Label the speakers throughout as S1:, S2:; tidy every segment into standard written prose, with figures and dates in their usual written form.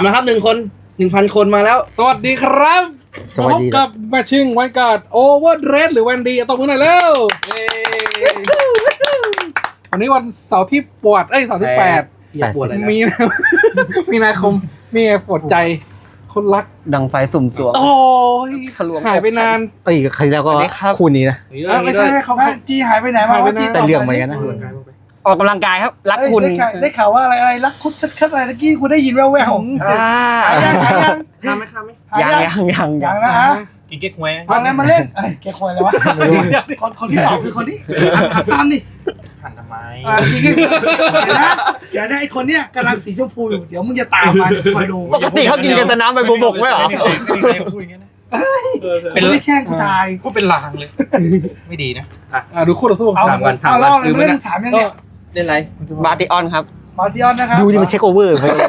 S1: มาครับ1 คน 1,000 คนมาแล้ว
S2: สวัสดีครับ
S3: สวัสดี
S2: พบกับแมชชิ่งวันการ์ดโอเวอร์เดรสหรือวันดีตบมือหน่อยเร็ววันนี้วันเสาร์ที่ปวดเสาร์ที่8
S1: อย่าปวดเลยนะ
S2: มีนาคมนี่ไงปวดใจคนรัก
S4: ดังไฟสุ่มสวง
S2: โอ้ย
S4: ทะลวง
S2: หายไปนาน
S3: เอ้ยใครแล้วก็
S4: สวัสดีครับ
S3: คู่นี้นะ
S2: ไม่ใช่เขา
S5: จีหายไปไหนมา
S2: หายไป
S5: วะ
S2: ไหน
S5: จี
S3: แต่เรื่องเหมือนกันนะ
S4: ออกกำลังกายครับ รักคุณ
S5: ได้ข่าวว่าอะไรรักคุดคัดอะไรตะกี้กูได้ยินแว่วๆหายยัง
S1: ข้ามไหมข้ามไหม
S5: ยังนะฮะ
S1: กินเก๊กฮวย
S5: เอาอะไรมาเล่นแกควยเลยวะคนที่ตอบคือคนที่หันตามดิ
S1: หันทำไม
S5: จริงเดี๋ยวนะไอคนเนี้ยกำลังสีชมพูอยู่เดี๋ยวมึงจะตามมาคอยดู
S4: ปกติเขากินกันแต่น้ำใบบัวบกไม่เหรอ
S1: พูดอย่างนี้นะ
S5: เป็นไม่แช่งกูตาย
S1: พูดเป็นลางเลย ไม่ดีนะ
S2: ดูคู่ต่อสู้
S5: เอาเล่าอะไรมาเล่นถามยังเนี่ย
S1: เล่นไร
S4: บาติออนครับ
S5: มาซิออนนะครับ
S3: ดูนี่มันเช็คโอเวอร์ไปก่อน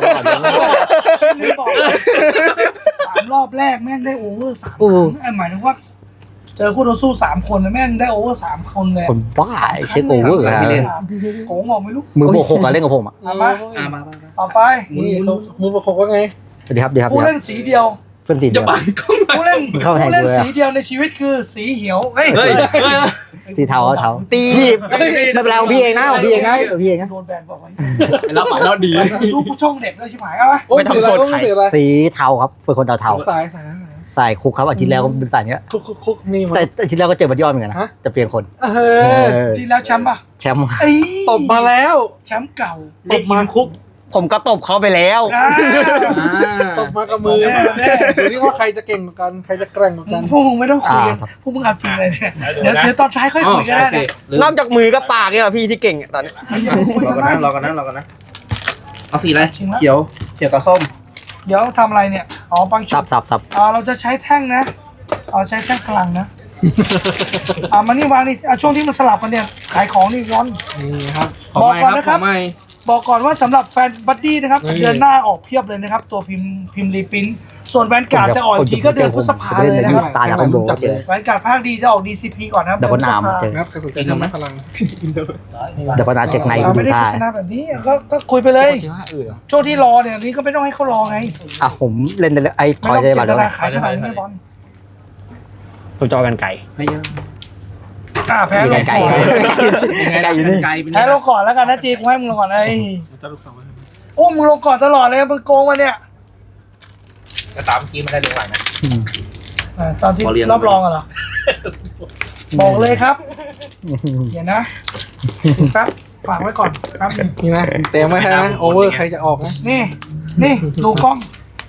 S5: 3 รอบแรกแม่งได้โอเวอร์3 ครั้งหมายถึงว่าเจอคู่ต่อสู้3 คนแม่งได้โอเวอร์3 คนเลย
S3: คนบ้าเช็คโอเวอร์อะ
S5: โกงออกไม่รู้
S3: มือโบกหกอะเล่นกับผมอ่ะ
S5: มา
S1: มา
S5: ต่อไป
S2: นี่เขามือประคบว่าไง
S3: สวัสดีครับดีครับ
S5: ผู้เล่นสีเดียว
S3: เพื่อนสีเดียว
S5: ผู้เล่น
S3: เข้าแทน
S5: ผู้เล่น
S3: กูเลยอะ
S5: สีเดียวในชีวิตคือสีเหียวเฮ้ย
S1: เฮ้ย
S3: สีเทาเทา
S4: ตี
S3: พี่ไม่เป็นไรของพี่เองนะของพี่เองนะของพี่เองนะ
S5: โดนแบนบอกไว้
S1: แล้วไปแล้วดี
S5: ทุกผู้ช่องเด็กเลยชิบหายเอาไหม
S2: โอ้ยถืออะไรโอ้ยถืออะไร
S3: สีเทาครับเป็นคนเทาเทา
S2: สาย
S3: ใส่คุกครับอาทิตย์แล้วก็เป็นสายเนี้ย
S2: คุกนี่มา
S3: แต่อาทิตย์แล้วก็เจอบัตยอดเหมือนกันนะจะเปลี่ยนคน
S5: ทีแล้วแชมป์ป่ะ
S3: แชมป์
S5: ไอ้
S2: ตบมาแล้ว
S5: แชมป์เก่า
S2: ตบมาคุก
S4: ผมก็ตบเขาไปแล้ว
S2: ตบมากับมือดูนี่ว่าใครจะเก่งกว่ากันใครจะแกร่งกว่ากัน
S5: พวกมึงไม่ต้องคุยกันพวกมึงเอาจริงเลยเนี่ยเดี๋ยวตอนท้ายค่อยคุยกันได้นะ
S4: นอกจากมือกับปากเนี่ยเหรอพี่ที่เก่งอะตอนนี้
S5: อย่าคุย
S1: รอ
S5: กัน
S1: กัน
S5: นะ
S1: นะรอกันนะรอกันนะเอาสีอะไรเขียวกับส้ม
S5: เดี๋ยวทำอะไรเนี่ยอ๋อปังชุ
S3: สั
S5: ด
S3: บ
S5: เราจะใช้แท่งนะใช้แท่งพลังนะมานี่วางนี่ช่วงที่มันสลับกันเนี่ยขายของนี่ร้อน
S2: นี่ครับ
S5: บอกก่อนนะครับ บอกก่อนว่าสำหรับแฟนบัดดี้นะครับเดือนหน้าออกเพียบเลยนะครับ ตัวพิมพ์รีพินส่วนแวนการ์ดจะออกอีกทีก็เดือนพฤษภาเลยนะครับ
S3: ตาแล้วก็โดนเจอ
S5: แวนการ์ดภาคดีจะออก DCP ก่อนนะครับ
S3: เดี๋ยวก็นามเจอ
S2: นะครับใครสนใจทำไหมพลัง
S3: เดี๋ยวก็นาเจ็กใน
S5: เรา
S3: ดู
S5: ไม่ได้
S3: ท่า
S5: โฆษณาแบบนี้ก็คุยไปเลยช่วงที่รอเนี่ยนี้ก็ไม่ต้องให้เขารอไง
S3: อ่ะผมเล่นไอ้ค
S5: ไม่
S3: อย
S5: ต้อง
S3: ได้
S5: เจ
S3: บัตร
S5: ต
S3: แล้ว
S5: นาขายขนาดนี้บอล
S4: ตัวจอกันไก่
S1: ไม่เยอะ
S5: แพ้ลง
S3: ไก่
S5: ก่อน
S3: ไก่อยู่นี่
S5: แพ้ลงก่อนแล้วกันนะจีกูให้มึงลงก่อนโอ้มึงลงก่อนตลอดเลยมึงโกงมาเนี่ย
S1: ก็ตามกี้ไม่ได้ลงหลังนะ
S5: ตอนที่รอบรองเหรอบอกเลยครับเดี๋ยวนะแป๊บฝากไว้ก่อนแป๊บนึง
S2: นี่นะเต็มไว้ให้นะโอเวอร์ใครจะออกนะ
S5: นี่ดูกล้อง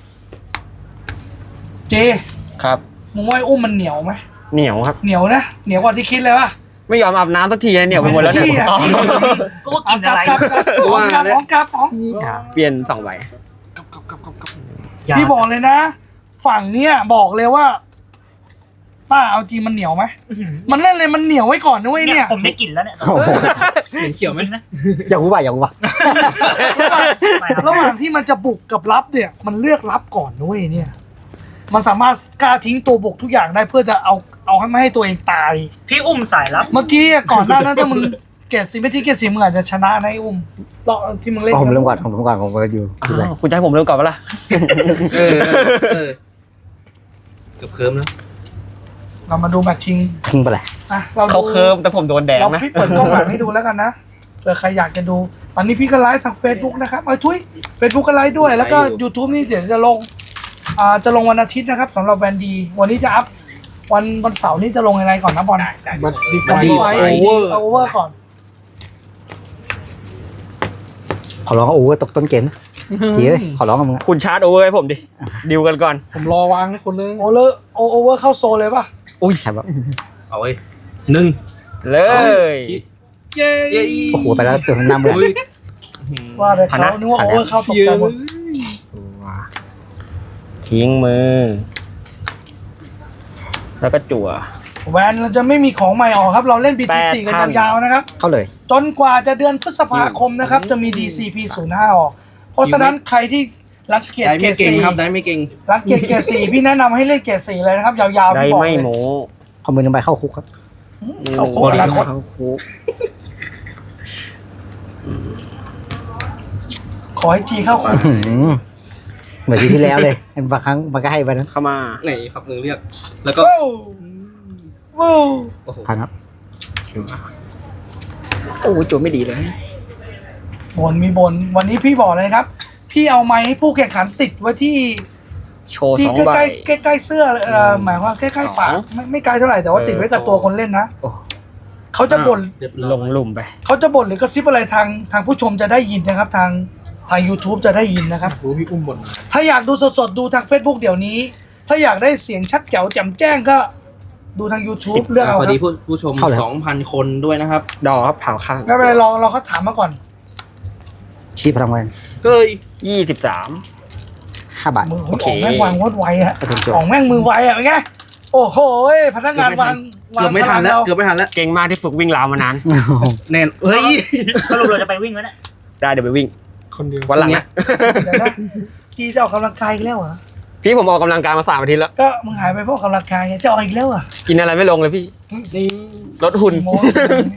S5: เจ
S4: ครับ
S5: มึงว่าไอ้อุ้มมันเหนียวไหม
S4: เหนียวครับ
S5: เหนียวนะเหนียวกว่าที่คิดเลยป่ะ
S4: ไม่ยอมอาบน้ำสักทีเหนียวไปหมดแล้วเนี่ย
S5: กูกินอะไรกลับของ
S4: เปลี่ยน2ใบ
S5: พี่บอกเลยนะ ฝั่งเนี้ยบอกเลยว่าป้าเอาจริงมันเหนียวไหมมันเล่นเลยมันเหนียวไว้ก่อนนะเว้ยเนี่ย
S6: ผมได้กลิ่นแล้วเนี่ย
S3: โอ้โห
S1: เห็นเขียวไหม
S3: อย่ารู้ป่ะอย่ารู้ป่ะ
S5: ระหว่างที่มันจะบุกกับรับเนี่ย มันเลือกรับก่อนนะเว้ยเนี่ย มันสามารถกล้าทิ้งตัวบุกทุกอย่างได้เพื่อจะเอาให้ไม่ให้ตัวเองตาย
S6: พี่อุ้มสายลับ
S5: เมื่อกี้ก่อนหน้านั้นถ้ามึงเกรดสีไม่ที่เกรดสีมึงอาจจะชนะนะไอ้อุ้มรอบที่มึงเล่น
S3: ผมเริ่มก่อนผมก็อยู่ที่ไร
S4: คุณจะให้ผมเริ่มก่อนปะล่ะ
S1: เกือบเคิร์มแล้ว
S5: เรามาดูแมตช์ชิง
S3: ทิ้งไปเลย
S5: อ่ะ
S4: เขาเคิร์มแต่ผมโดนแดง
S5: เรา
S4: นะ
S5: พี่เปิดกล้องหลังให้ดูแล้วกันนะเผื่อใครอยากจะดูตอนนี้พี่ก็ไลฟ์ทาง Facebook นะครับทุย Facebook ก็ไลฟ์ด้วยแล้วก็ YouTube นี่เดี๋ยวจะลงวันอาทิตย์นะครับสำหรับแวนดีวันนี้จะอัพวันเสาร์นี้จะลงอะไรก่อนนะบอล
S2: บัตดีไฟ
S5: ไฟ
S2: โอเวอร์
S5: โอเวอร์ก่อน
S3: ขอร้องโอเวอร์ตกต้นเกมนะจีเอ้ยขอร้องกับมึง
S4: คุณชาร์จโอเวอร์ให้ผมดิดิวกันก่อน
S2: ผมรอวางให้คนเลย
S5: โอเวอร์เข้าโซเลยป่ะ
S3: อุ้ยใช่ปะ
S1: เอาไว้1
S4: เลย
S2: เย้
S3: โอ้โหไปแล้วเติมน้ำเลย
S5: ว่าแต่เขานึกว่าโอเวอร์เข้าตกใจหมด
S4: ทิ้งมือ แล้วก็จั่ว
S5: แวนเราจะไม่มีของใหม่ออกครับเราเล่น BT4 กันยาวๆนะครับ
S3: เข้าเลย
S5: จนกว่าจะเดือนพฤษภาคมนะครับจะมี DCP05 ออกเพราะฉะนั้นใครที่รังเกียจ
S1: ได้
S5: เกร
S1: ไม่
S5: ด
S1: เก่ง
S5: สี่
S1: ครับได้ไม่เก่ง
S5: รังเกียจเกรดสี่พี่แนะนำให้เล่นเกรดสี่เลยนะครับยาวๆ
S4: ได้
S5: พี่บอก
S4: ไม่
S5: เลย
S4: โม
S3: คอมเมนต์ไปเข้าคุกครับ
S5: เขาโคตร
S4: เข้าคุก
S5: ขอให้จีเข้าคุก
S3: เหมือนที่แล้วเลยบางครั้งมันก็ให้ไปนั้น
S4: เข้ามา
S1: ไหนครับหนึ่งเรียก แล้วก็
S5: ว้าวว้าว
S1: โอ้โห
S3: พันครับ
S4: โอ้โหจั่วไม่ดีเลย
S5: บนมีบนวันนี้พี่บอกเลยครับ พี่เอาไม้ให้ผู้แข่งขันติดไว้ที่
S4: โชว์
S5: ที่
S4: สอง
S5: ใก
S4: ใบ
S5: ล้ๆใกล้ๆเสื้อหมายว่าใกล้ๆปาก
S4: สอง
S5: ไม่ไกลเท่าไหร่แต่ว่าติดไว้กับตัวคนเล่นนะ
S4: โอ้
S5: เขาจะบ่น
S1: เรียบร้อย
S4: ลงหลุมไป
S5: เขาจะบ่นหรือกระซิบอะไรทางผู้ชมจะได้ยินนะครับ ทาง YouTube จะได้ยินนะครับ
S2: รู้พี่อุ้มบ่นมา
S5: ถ้าอยากดูสดๆ ดูทาง Facebook เดี๋ยวนี้ ถ้าอยากได้เสียงชัดแจ๋วแจ่มแจ้งก็ดูทาง YouTube เลือกเอา
S1: สวัส
S5: ค
S1: ดี
S5: รับ
S1: ผู้ชม 2,000 คนด้วยนะครับ
S4: ดอกครับเผาข้าง
S5: ไม่เป็นไรเราเขาถามมาก่อน
S3: ชี้พลังแวน
S1: เฮ้ย
S4: 23
S3: 5 บาท
S5: มือ
S4: โอเค
S5: ของแม่งวางวดไวอะ
S3: กระตุ้นจั่ว
S5: ของแม่งมือไวอะเป็นไงโอ้โหพนักงานวาง
S1: เกือบไม่ทันแล้ว เกือบไม่ทันแล้ว
S4: เก่งมากที่ฝึกวิ่งราวมานาน
S1: แน่นเฮ้ย
S6: สรุปเราจะไปวิ่งไหมเนี่ย
S4: ได้เดี๋ยวไปวิ่ง
S2: คนเดียว
S4: วันหลังนะ
S5: เดี๋ยวนะจีจะออกกำลังกายอีกแล้วเหรอ
S4: พี่ผมออกกำลังกายมา3 อาทิตย์แล้ว
S5: ก็มึงหายไปเพราะออกกำลังกายไงจะออกอีกแล้วเหรอ
S4: กินอะไรไม่ลงเลยพี่ ลดหุ่น
S5: กี่โมง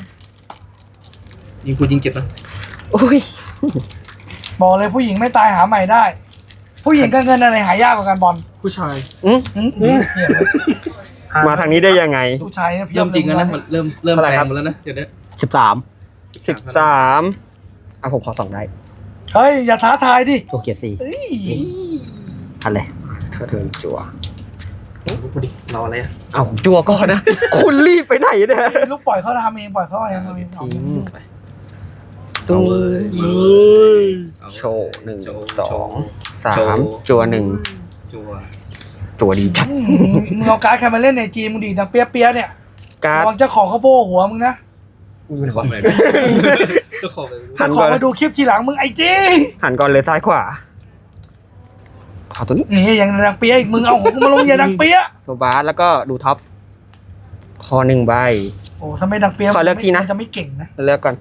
S1: ยิงกูยิงเจ็บนะ
S4: อุ้ย
S5: บอกเลยผู้หญิงไม่ตายหาใหม่ได้ ผู้หญิงกับเงินอะไรหายากกว่ากันบอล
S2: ผู้ชาย
S5: หืมเหี้ยเลย
S4: มาทางนี้ได้ยังไง
S5: ผู้ชายเนี่ยเพียบ
S1: เริ่มจริงแล้วนะ มันเริ่ม
S4: เท่าไหร่
S1: แร
S4: ครั
S1: ง
S4: บ
S1: หมดแล้วนะเดี๋ยวนี้
S3: 13
S4: 13อ่ะผมขอ2ได้
S5: เฮ้ยอย่าท้าทายดิ
S3: ตัวเกียร์4
S5: เอ้ย
S3: พันเลย
S4: เทิร์นจั่ว
S1: พูดดิรออะไรอ่ะ
S4: เอ้าจั่วก่อนนะ คุณรีบไปไหนเนี่ย
S5: ลูกปล่อยเขาทำเองปล่อยเขาเองเอาเองเอาเอง
S1: ตัวเว้ย
S4: โชว์1
S1: โชว์
S4: 2
S1: โชว์
S4: 3จั่ว1
S1: จัว
S4: จั่วดีจัด
S5: มึงเอาการ์ดใครมาเล่นในจีมึงดีดังเปี้ยๆเนี่ย
S4: การ์ด
S5: ระวังเจ้าของเขาโบ้หัวมึงนะ
S1: ทำอะไรก็ขอไป
S4: หัน
S5: ข
S4: ก่
S5: อ
S4: อน
S5: มาดูคลิปทีหลังมึงไอ้จี
S4: หันก่อนเลยซ้ายขวาขอตัวนี้
S5: นี่ยังดังเปี้ยอีกมึงเอาของกูมาลงอย่าดังเปี้ย
S4: โซบาสแล้วก็ดูท็อปคอ1 ใบ
S5: โอ้ถ้าไม่ดังเปี้ย
S4: ขอเลือกทีนะ
S5: จะไม่เก่งนะ
S4: เลือกก่อน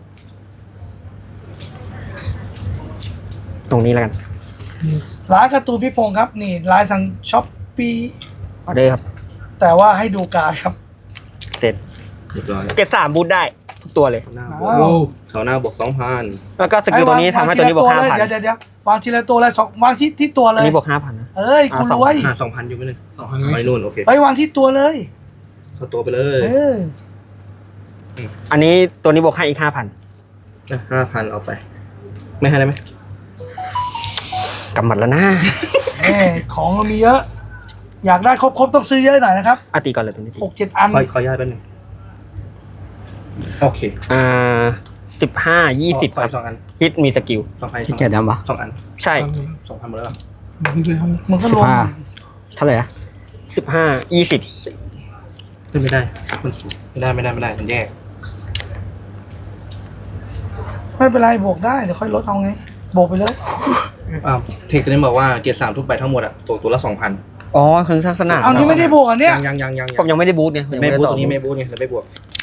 S4: ตรงนี้แล้วกัน
S5: ร้านการ์ตูนพี่พงศ์ครับนี่ร้านทางช้อปปี้
S4: ออเดอร์ครับ
S5: แต่ว่าให้ดูการ์ดครับ
S4: เสร็จ
S1: เรียบร้อย
S4: เก็บ3บูทได้ ทุกตัวเลย
S1: หน้าบ
S5: ว้าว
S1: วกเขาหน้าบวก 2,000
S4: แล้วก็สกิลตัวนี้ทำให้ตัวนี้บวก 5,000
S5: เดี๋ยววางทีละตัวเลยสองวางที่ตัวเล
S4: อัน
S5: ย
S4: นี้บวก 5,000นะ
S5: เอ้ยกูรวย
S1: 2,000อยู่ไหมเนี่ย
S2: 2,000
S1: ไม่นู่นโอเค
S5: เฮ้ยวางที่ตัวเลย
S1: เข้าตัวไปเลย
S5: เออ
S4: อันนี้ตัวนี้บวกให้อีก 5,000
S1: 5,000เอาไป ไม่ให้ได้ไหม
S4: กำหมัดแล้วนะ
S5: ของเรามีเยอะ อยากได้ครบต้องซื้อเยอะหน่อยนะครับ
S4: อาตีก่อนเลยตัวนี้ที
S5: 6-7 อัน
S1: ขอย้ายแป๊บนึงโอเค
S4: 15 20
S1: ขอ
S4: ครับ
S1: 2 อัน
S4: ฮิตมีสกิล
S1: 2,000
S3: ที่เกียร์ดำปะ
S1: 2 อัน
S4: ใช่
S1: 2,000หมดแล้ว
S2: มึงเคยทำ
S5: มึงก็รวม
S3: 15เท่าไหร่อะ
S4: 15 20
S1: ไม่ได้ไม่ได้มันแย่
S5: ไม่เป็นไรบวกได้เดี๋ยวค่อยลดเอาไงบวกไปเลย
S1: เทคตัวนี้บอกว่าเกียร์3ทุกใบทั้งหมดอ่ะตกตัวละ 2,000
S4: อ๋อเครื่องสร้างสนาม
S5: เอานี่ไม่ได้บวกอันเนี้ย
S1: ยัง
S4: ผมยังไม่ได้บูทเนี่ยผมยัง
S1: ไม่
S4: ไม่ได้
S1: บูท
S4: ต่อ
S1: ตัวนี้ไม่บูทเนี่ยจะไม่บวก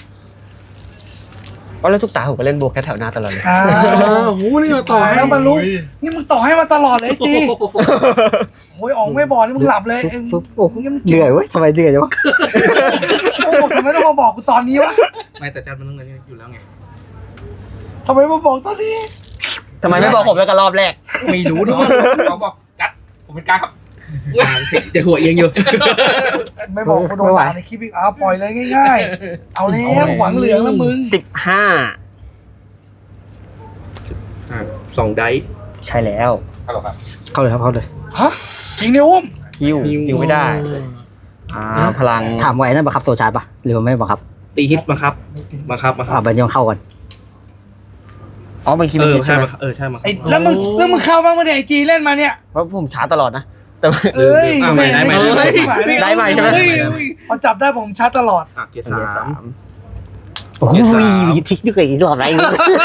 S4: อ๋อแล้วทุกตาผมก็เล่นบูทแค่แถวหน้าตลอดเลย
S5: อ้า
S2: โอ้โหนี่มาต่อให้
S5: แล้วมันรู้นี่มึงต่อให้มาตลอดเลยไอ้จีโอ้ยอ๋องไม่บอกนี่มึงหลับเลยเอง
S3: ฟึบโอ้เหนื่อยเว้ยทำไมเหนื่อยจังวะ
S5: โอ้ทำไมต้องมาบอกกูตอนนี้วะ
S1: ไม่แต่จัดมันต้องเงินอยู่แล้วไง
S5: ทำไมมาบอกตอนนี้
S4: ทำไมไม่บอกผมแล้วกันรอบแรก
S1: ไม่รู้ด้วยเขาบอกจัดผมเป็นกลางครับจะหัวเอียงอยู่
S5: ไม่บอกกูโดนด่าในคลิปอีกเอาปล่อยเลยง่ายๆ เอาแล้วหวังเหลืองแล้วมึง
S1: 2 ไดส์
S4: ใช่แล้ว
S1: ฮัลโหลครับ
S3: เข้าเลยครับเข้าเลย
S5: ฮะจริงเนี่ยอุ้ม
S4: ฮิวไม่ได้ พลัง
S3: ถามว่าไอ้นั่นบังคับโซชาร์จปะหรือว่าไม่บังคับ
S1: ตีฮิตบังคับ
S3: ไปยังเข้าก่อน
S4: อ๋อบางทีมันฮิตใช่ไหม
S1: ใช่มา
S5: ไอ้แล้วมึงเข้าบ้างมาเนี่ยไอจีเล่นมาเนี่ย
S4: เพราะผมช้าตลอดนะ แต่ว่า
S5: เอ้ย
S1: ไม่ได้
S4: ได้ใหม่ใช่ไหม
S5: พอจับได้ผมชัดตลอด
S1: เกียร์ 3
S3: โอ้ยมีทิกด้วยอีกรอบไร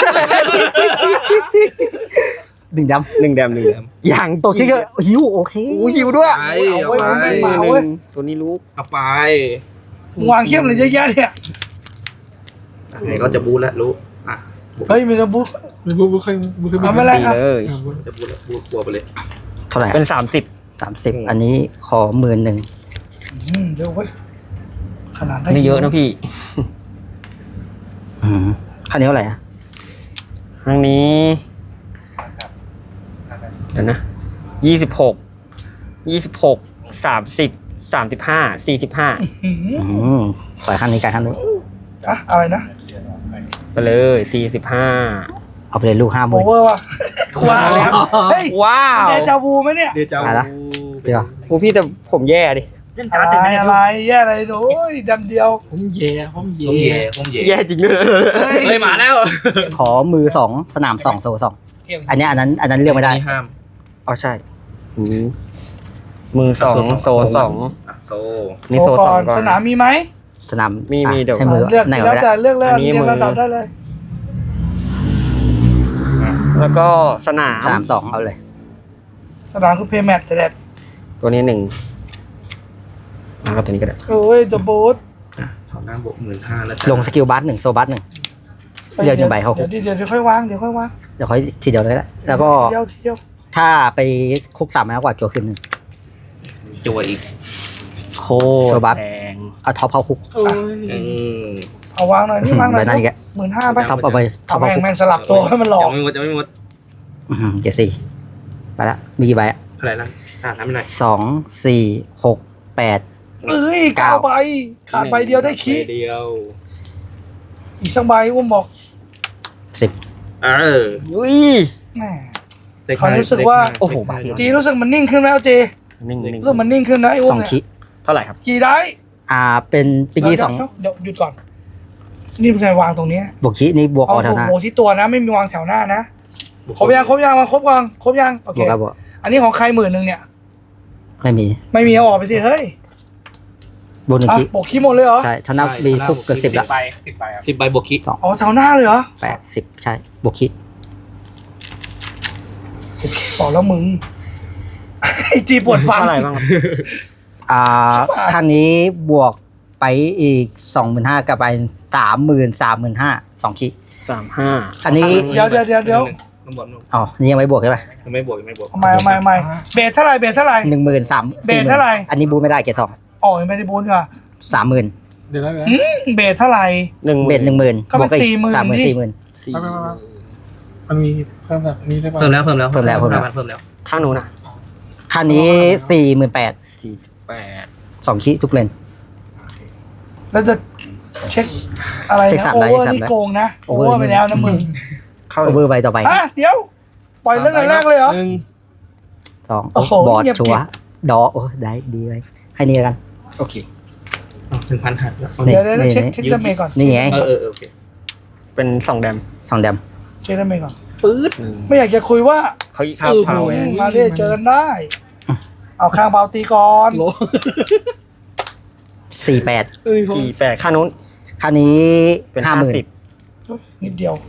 S3: หนึ่งดำ
S4: 1 แดม
S3: อย่างตัวที่ก็หิวโอเค
S4: หิวด้วย
S1: เอาไป
S4: ตัวนี้รู้
S1: เอาไป
S5: วางเข้มเลยเยอะแยะเนี่ย
S1: ไหนก็จะบูทแล้วรู้
S5: เฮ้ยมีระบุ
S2: ไม่บูบูเคยบูเคย
S5: เอาไม่เป็นไร
S4: ดี
S5: ครับ
S4: เลย
S1: จะบูทแล้วบูทบัวไปเลย
S3: เท่าไหร่
S4: เป็น
S3: 30อันนี้ขอ11,000
S5: เดี๋ยวเว้ยขนาดได้
S4: 30ไม่เยอะนะพี่
S3: คันนี้เท่าไหร่อะ
S4: ครั้งนี้เดี๋ยวนะ26 26 30 35 45
S5: หืม
S3: ปล่อยขั้นนี้การขั้นนู้น
S5: อะอะไรนะ
S4: ไปเลย45
S3: เอาไปเลยลูก5
S5: โอ
S3: มือ
S5: เวอร์ว่ะว้าวเฮ้ย
S4: ว้าว
S5: เดจาวูไหมเนี่ย
S1: เดี๋ยวจะ
S3: อะไรนะ เดี๋ยว
S4: โอ้พี่แต่ผมแย่ดิ
S1: เล่น
S5: อะ
S1: การ์ด
S5: ไร
S1: ได้ไหม
S5: อะไรแย่อะไรโอ้ยดำเดียว
S2: ผมเย่ผมเย่
S1: ผมเย่
S4: แย่จริงด้วย
S1: เฮ้ยมาแล้ว
S3: ขอมือ2สนาม2โซ่2อันเนี้ยอันนั้นเลือกไม่ได้
S1: ห้าม
S4: อ๋อใช่มือ2โซ2
S1: โซ
S4: นี่โซ
S5: โอ้
S4: 2ก่อน
S5: สนามมีไหม
S3: สนาม
S4: มี
S3: อ่ะ
S4: เดี๋ยว
S3: ให้มือ
S5: เลือก
S3: ไหน
S5: แล้ว
S3: ก็ได้
S5: แต่เลือกเลย
S4: อันนี้
S5: เรียง
S4: มือ
S5: ระดับได้เลย
S4: แล้วก็สนาม
S3: สนาม2เอาเลย
S5: สนามคือเพย์แมทแต่แดด
S4: ตัวนี้1แล้วก็ตัวนี้ก็ได้
S5: โอ้ยตัวบูท
S1: ถอนหน้าบวก15,000แล้ว
S3: ลงสกิลบัส1โซบัส1 เลือกหนึ่งใบเข้าคุก
S5: เดี๋ยวค่อยวางเดี๋ยวค่อยวาง
S3: เดี๋ยวค่อยทีเดียวเลยก็ได้แล้วก็
S5: ทีเดียว
S3: ถ้าไปคุก3มากกว่าจั่วขึ้นหนึ่ง
S1: จั่วอีก
S4: โค
S3: โซบัส
S4: แพง
S3: เอาท็อปเข้าคุก
S2: โอ้ย
S5: เอาวางหน่อยนี่วางหน่อย
S3: ใบนั้นอีกแก
S5: 15,000ไป
S3: ท็อปเอาไปท็อ
S5: เอา
S3: ปเข้าคุก
S5: แม่งสลับตัวให้มันหลอก
S1: จะไม่หมด
S3: เจ็ดสี่ไปละมีกี่ใบอ่ะ
S1: เท่าไหร่แล้วน้ำหน่อย
S3: 2 4 6 8
S5: เอ้ยเก้าใบขาดใบเดียวได้ขี้
S1: เดียว
S5: อีกสักใบอุ้มบอก
S3: 10
S4: อุ้ย
S5: แหม เขารู้สึกว่า
S4: โอ้โหบาทเดียว
S5: จีรู้สึกมันนิ่งขึ้นแล้วจี
S4: นิ่ง
S5: รู้สึกมันนิ่งขึ้นนะไอ้อุ้ม
S3: 2
S5: เนี่ย
S3: คิ
S4: เท่าไหร่ครับ
S5: กี่ได้
S3: เป็นปีกี้2
S5: เดี๋ยวหยุดก่อน นี่เป็นไงวางตรงนี้
S3: บวกคินี่บวกอ
S5: เอา
S3: อแถวหน้า
S5: โบที่ตัวนะไม่มีวางแถวหน้านะครบยังมาครบยังโอบ เค
S3: วกครับบวก
S5: อันนี้ของใคร10,000เนี่ย
S3: ไม่มี
S5: ไม่มีเอาออกไปสิเฮ้ย
S3: บวก1คิ
S5: โบกขี้หมดเลยเหรอ
S3: ใช่ถ้านับมีคุกเกิน10ละ
S1: 10 ใบบวกคิด
S5: อ๋อแถวหน้าเลยเหรอ
S3: 8 10ใช่บวกคิ
S5: บอกแล้วมึง ไอจีปวดฟัน
S4: เท่าไหร่บ้างครับ
S5: ชิบหาย
S3: ท่านนี้บวกไปอีก 25,000กับไป30,000 2คิ
S4: 35
S3: อันนี้
S5: เดี๋ยว
S1: น้ำบอล
S3: อ๋อนี่ยังไม่บวกใช่ไหม
S1: ไม่บวก
S5: ทำไมเบสเท่าไหร่
S3: 13,000
S5: เบสเท่าไหร่
S3: อันนี้บูไม่ได้เกรด2
S5: อ๋อยังไม่ได้บูนเหรอ
S3: 30,000
S2: เดี๋ยวนะ
S5: เบสเท่าไหร่
S3: เบส10,000
S5: ก็เป็น
S3: บวกอีก
S5: 40,000
S3: 30,000
S5: ดิ
S3: 40,000
S2: มันมีเพิ่มแบบนี้ได้ป่ะ
S1: เพิ่มแล้ว
S3: เพิ่มแล้ว
S4: ข้างนู้นนะ
S3: คันนี้ 48,000
S4: 48
S3: 2คิทุกเลน
S5: แล้วจะเช็คอะไร
S3: เช็ค
S5: นะ
S3: สาม
S5: โอ
S3: ได้
S5: เวอร์
S3: เช็คสาม
S5: นี่
S3: ได้
S5: โกงนะโอ
S3: over
S5: เวอร์ไปแล้วนะมึง
S4: เข้า
S3: โอเวอร์ใบต่อไป
S5: เดี๋ยว ปล่อยเรื่องแรกเลยเหรอ
S3: 2
S5: โอ้โห
S3: บอร์ด
S5: เงียบ
S3: ชัวร์ดอโอ้ได้ดีเลยให้นี่แล้วกัน
S4: โอเค
S1: 1,000 หักแล้ว
S3: นี่
S5: เดี๋ยว
S3: นี่
S5: เช็คดาเมจก่อน
S3: นี่ไง
S1: โอเค
S4: เป็น2แดม
S3: 2 แดม
S5: เช็คดาเมจก่อน
S2: ปื๊ด
S5: ไม่อยากจะคุยว่า
S4: เขาอีกข้าวเผาไง
S5: มาเรียเจอกันได้ เอาข้างเบาตีก่อน
S2: โล
S3: 48
S4: 48ข้างนู้น
S3: คันนี้
S4: เป็น
S3: 50,000
S5: นิดเดียว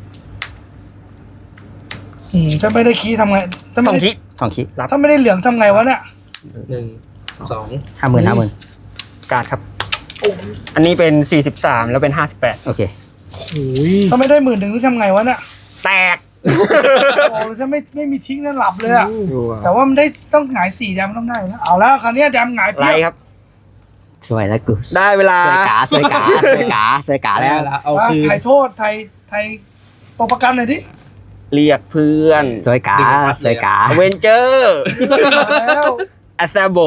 S5: ถ้าไม่ได้คีย์ทำไงถ้า
S4: 50
S5: ไม่
S4: ต้อง
S5: ได้
S4: คิด
S3: 2คิ
S5: ถ้าไม่ได้เหลืองทำไงวะเนี่ย
S1: 1 2
S3: 50,000
S4: การ์ดครับ อันนี้เป็น43แล้วเป็น58
S3: โอเค
S2: โอ้ย
S5: ถ้าไม่ได้10,000นี่ทำไงวะเนี่ย
S4: แตก
S5: โอ้ถ้าไม่มีทิ้งนั่นหลับเลยอะ
S4: ดู
S5: แต่ว่ามันได้ต้องหงาย4แดมต้องได้นะเอาแล้วคราวนี้แดมหงาย
S4: ไล
S5: เพียบ
S4: ครับ
S3: สวยแล้วกู
S4: ได้เวลา
S3: สวยกาแล้ว
S1: เอาคืน
S5: ไทยโทษไทยตัวประกันหน่อยดิ
S4: เรียกเพื่อน
S3: สวยกา
S4: เวนเจอร์
S5: มาแล้ว
S4: อาซาโบ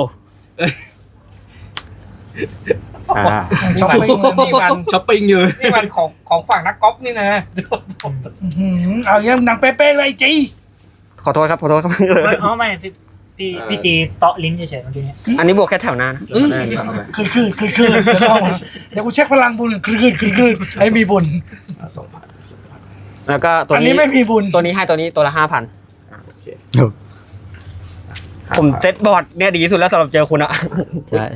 S5: ช้อปปิ้งเลย
S1: นี่มันช้อปปิ้งอยู่นี่มันของฝั่งนักกอล์ฟนี่นะ
S5: เอาอย่างหนังเป๊ะๆเลยจี
S4: ขอโทษครับ
S6: อ๋อไม่พี่จีเตาะลิ้นเฉยๆเมื่อกี้เนี่ย
S4: อันนี้บวกแค่แถวหน้านะ
S5: คือเดี๋ยวกูเช็คพลังบุญคือให้มีบุญ
S4: แล้วก็ตัว
S5: อัน
S4: นี้
S5: นี้ไม่มีบุญ
S4: ตัวนี้ให้ตัวนี้ตัวละ 5,000 ผมเซตบอร์ดเนี่ยดีที่สุดแล้วสำหรับเจอคุณอะ
S3: ใช่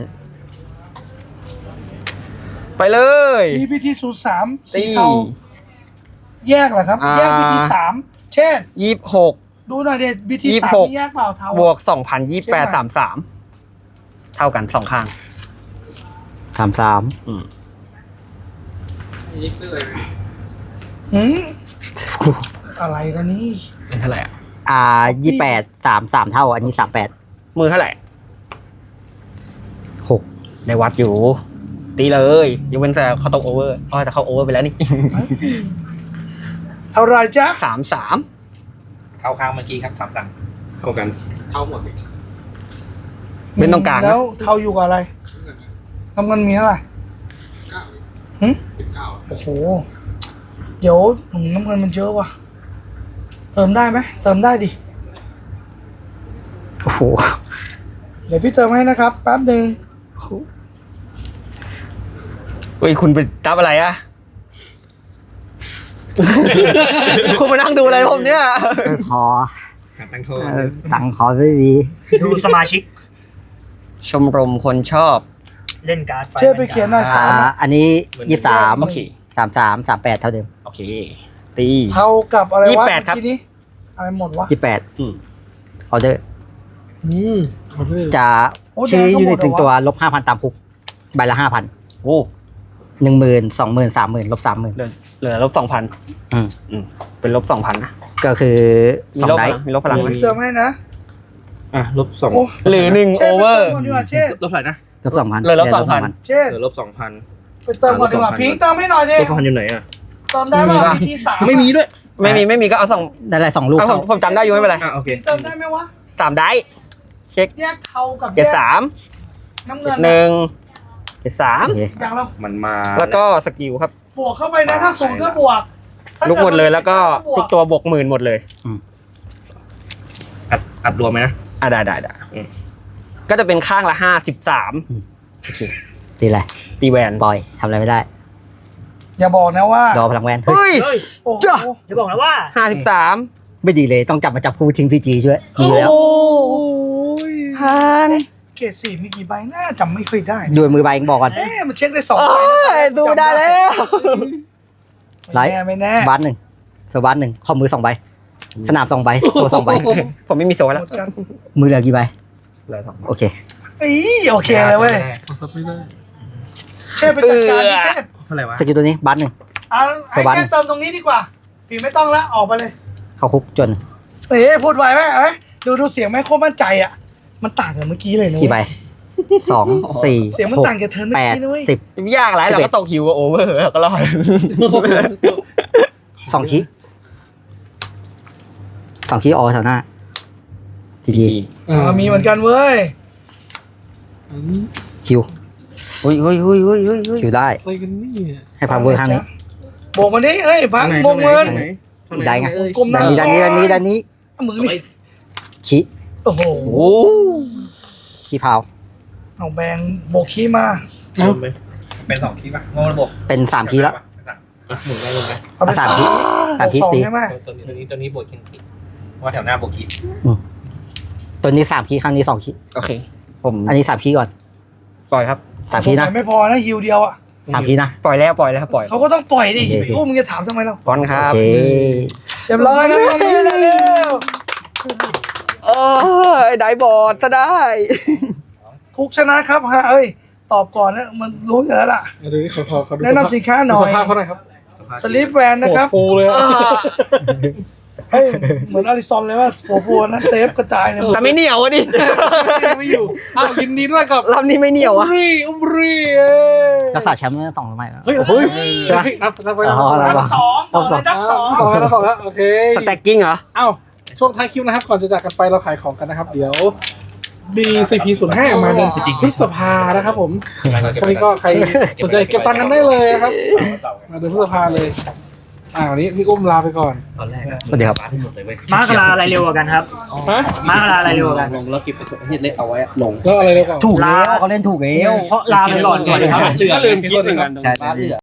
S4: ไปเลย
S5: มีพิธีสูตร3สีเทาแยกเหรอครับ แยกพิธี3เช่น
S4: 26
S5: ดูหน่อยเด็ดพิธี
S4: 26
S5: 3แยกเปล่าเทา
S4: บวก 2,028 33 เท่ากัน2ข้าง
S3: 33
S5: อะไรกันนี่
S4: เป็นเท่าไหร่อะ
S3: 28 33 เท่าอันนี้ 38
S4: มือเท่าไหร่
S3: 6
S4: ในวัดอยู่ ตีเลยยกเว้นแต่เขาตกโอเวอร์แต่เขาโอเวอร์ไปแล้วนี่
S5: เท่าไรจ๊ะ
S4: 33
S1: เข้าข้างเมื่อกี้ครับ3 ตังเข้ากันเข้าหมด
S4: เบนตรงกลางนะ
S5: แล้วเทาอยู่กับอะไรน้ำเงินมีเท่าไหร่หึโอ้โหเดี๋ยวน้ำเงินมันเยอะว่ะเติมได้ไหมเติมได้ดิ
S3: โอ้โห
S5: เดี๋ยวพี่เติมให้นะครับแป๊บหนึ่ง
S4: เฮ้ยคุณไปรับอะไรอะ คุณมานั่งดูอะไรผมเนี่ย
S3: ขอ
S1: ตั้งโทษ
S3: ตังค์ขอไม่มี
S6: ดูสมาชิก
S4: ชมรมคนชอบ
S6: เล่นการ์ด
S5: เชื่อไปเขียนหน่อยสามอะ
S3: อันนี้23
S4: โอเค
S3: 33 38เท่าเดิม
S4: โอเคตี
S5: เท่ากับอะไรวะ
S4: 28ครับ
S5: เมื่อกี้นี้อะไรหมดวะ
S3: 28
S4: อืม
S3: ออเดอร์
S2: เอาเลย
S3: จะ
S5: โอ้
S3: ชื่อ
S5: แดงก็
S3: ยู
S5: หม
S3: นิ
S5: ด
S3: ต
S5: เหรอวะ
S3: ถึงตัวลบ 5,000 ตามคุกใบละ 5,000
S4: โอ้
S3: 10,000 20,000 30,000ลบ 30,000
S4: เหลือลบ 2,000
S3: อืม
S4: เป็นลบ 2,000นะ
S3: ก็คือ
S4: มี
S3: 2
S4: ลบ
S3: ได
S4: พลังมีลบพลังไหม
S5: พี่เติมให้นะ
S1: อ่ะลบ 2
S5: โอ้
S4: หรือ1
S5: เชษ
S4: โอเวอร์
S5: ไปเติมก่อนดีกว่าเชษ
S1: ลบเท่าไหร่นะ
S3: ลบ 2,000
S4: เหลือลบ 2,000
S5: เชษ
S1: เหลือลบ 2,000
S5: ไปเติมก่อนดีกว่าพิงค์เติมให้หน่อยดิ
S1: ลบ 2,000อยู่ไหนอ่ะ
S5: เติมได้ป่ะมีที่สาม
S1: ไม่มีด้วย
S4: ไม่มีก็เอา
S3: นั่นแหละ2 ลูก
S4: เอาผ
S3: เข้าม
S4: ผมจำได้อยู่ไม่เป็นไร
S1: อ่ะโอเค
S5: เติมได้ไหมวะ
S4: 3 ได้เช็ค
S5: แยกเทากับ
S4: เกรด
S5: แยก
S4: 3
S5: น้ำเงิน
S4: หนึ่งเกรด
S3: โอเค
S5: อย่างเรา
S1: มันมา
S4: 3แล้วก็สกิลครับ
S5: บวกเข้าไปนะถ้าศูนย์ก็บวกถ้า
S4: ลุกหมดเลยแล้วก็
S5: บว
S4: ทุกตัวบวก10,000หมดเลย
S1: อัดรวมไหมนะ
S4: อ่ะได้
S1: อืม
S4: ก็จะเป็นข้างละ53
S3: ตีอะไร
S4: ตีแวน
S3: ปล่อยทำอะไรไม่ได้
S5: อย่าบอกนะว่า
S3: ดอพลังแวนเฮ้ย
S4: เฮ้ย
S6: เฮ้ย
S5: โอ้โห
S3: จ้ะ
S6: อย่าบอกนะว่า
S4: 53
S3: ไม่ดีเลยต้องจับมาจับคู่ทิ้งพีจีช่วยมีแล้ว
S4: พัน
S5: เกรดสี่มีกี่ใบน่าจำไม่ค่อยได้
S3: ดูมือใบเองบอกก่อน
S5: มันเช็คได้สอง
S4: โอ้
S5: ใบนะ
S4: ยดูได้แล้ว
S3: ไลท์
S5: ไม่แน่
S3: บาส1โซบาส1ข้อมือ2ใบสนาม2ใบโซ่2ใบ
S4: ผมไม่มีโซ่
S5: ห
S4: แล้ว
S5: มดกัน
S3: มือเหลือกี่ใบ
S4: เหลือ2
S3: โอเค
S5: อีโอเคเลยเว้ย
S2: ขอซับไม่ได้
S5: เช่ไปจัดการที่เช่
S1: เท่าไหร่วะ
S3: สกิลตัวนี้บาส1
S5: เอาให้เช่เติมตรงนี้ดีกว่าปีไม่ต้องละออกไปเลย
S3: เข้าคุกจน
S5: พูดไวไหมเอาไหมดูเสียงไหมโคตรมั่นใจอ่ะมันต่างกับเมื่อกี้เลยนะ
S3: กี่ใบ2 4
S5: เสียงมันต่างกับเธอเมื่อกี้นะเว้ย
S3: 8 10
S4: ยากหลายเราก็ตกฮิวกับโอเวอร์ก็รอด
S3: 2คี2คีออแถวหน้าจีจี
S5: มีเหมือนกันเว้ย
S3: คิว
S4: เฮ้ย
S3: คิวได้
S2: อะไรกันนี่
S3: ให้พาเวอร์ข้างนี้
S5: โบกมาดิเอ้ยพังโบกเงิน
S3: ได้ไง
S5: กลมหน้า
S3: ด้านนี้
S5: มึงนี่
S3: คี
S5: โอ้โห
S4: โอ้
S3: คีพาว
S5: เอาแบงโบกขี้มา
S1: เป็น2คีป่ะงงระบบ
S3: เป็น3คีแล้ว
S1: หมุนได้ลงไหม
S5: เอาไป
S3: 3คี3คี
S5: สอง
S3: ตี
S5: ใช่ไหม
S1: ตัวนี้บวกคีว่าแถวหน้าบวกคี
S3: ตัวนี้3คีครั้งนี้2คี
S4: โอเค ผม
S3: อันนี้3คีก่อน
S4: ปล่อยครับ
S3: 3คีนะ
S5: ไม่พอนะฮิวเดียวอ่ะ
S3: 3คีนะ
S4: ปล่อยแล้วปล่อย
S5: เขาก็ต้องปล่อยดิ
S3: โอเค
S5: โอ้มึงจะถามทำไมเรา
S4: ฟอนต์ค
S3: โอ
S4: รับ
S3: เค
S5: เรียบร้อยครับเร็ว
S4: โอ้ยได้บอร์ดซะได้
S5: คุกชนะครับฮะเอ้ยตอบก่อนนะมันรู้อยู่แล้วล่ะ
S2: ดูนี่เขาดู
S5: แนะนำสินค้าหน่อย
S2: สภาพเขาหน่อยครับ
S5: สลิปแวนนะครับ
S2: โอ้ฟูเลยอะ
S5: เฮ้ยเหมือนอาริซอนเลยว่าโฟนะเซฟกระจายเลย
S4: แต่ไม่เหนียวอะดิ
S2: ไม่อยู่อ้าวยินดีด้วยกับ
S4: รอบนี้ไม่เหนียวอะ
S2: อุ้มรีเอ้ย
S3: รักษาแชมป์มา2 สมัยแล้ว
S2: เฮ้ย
S3: ใช่ไหม
S2: นับไป
S3: อ๋อ
S2: แล้ว
S5: นับสองต่อเลยนับสอง
S2: สองแล้วสองแล้วโอเค
S4: สแต็กกิ้งเหรอ
S2: เอ้าช่วงท้ายคลิปนะครับ ก่อนจะจากกันไปเราขายของกันนะครับ เดี๋ยว BCP05 มาเดือนพฤษภานะครับผมช่วงนี้ก็ใครสนใจเก็บตังค์กันได้เลยนะครับ มาเดือนพฤษภาเลยวันนี้พี่อุ้มลาไปก่อน
S1: ตอนแรก
S3: สวัสดีครับ
S1: ที่หมดเลยเว้ย
S6: ม้ากะลาอะไรเร็วกว่ากันครับ
S2: ฮะ
S6: ม้ากะลาอะไรเร็วกว่ากัน
S1: ลงแล้วเก็บเฮ็ดเล็กเอาไว้ลง
S2: แล้วอะไรเร็วกว่า
S3: ถูกแล้วเขาเล่นถูกแล้ว
S6: เพราะลาไปก่อนก่อนครับ
S1: เหลือกินเหมือนกัน
S3: ใช่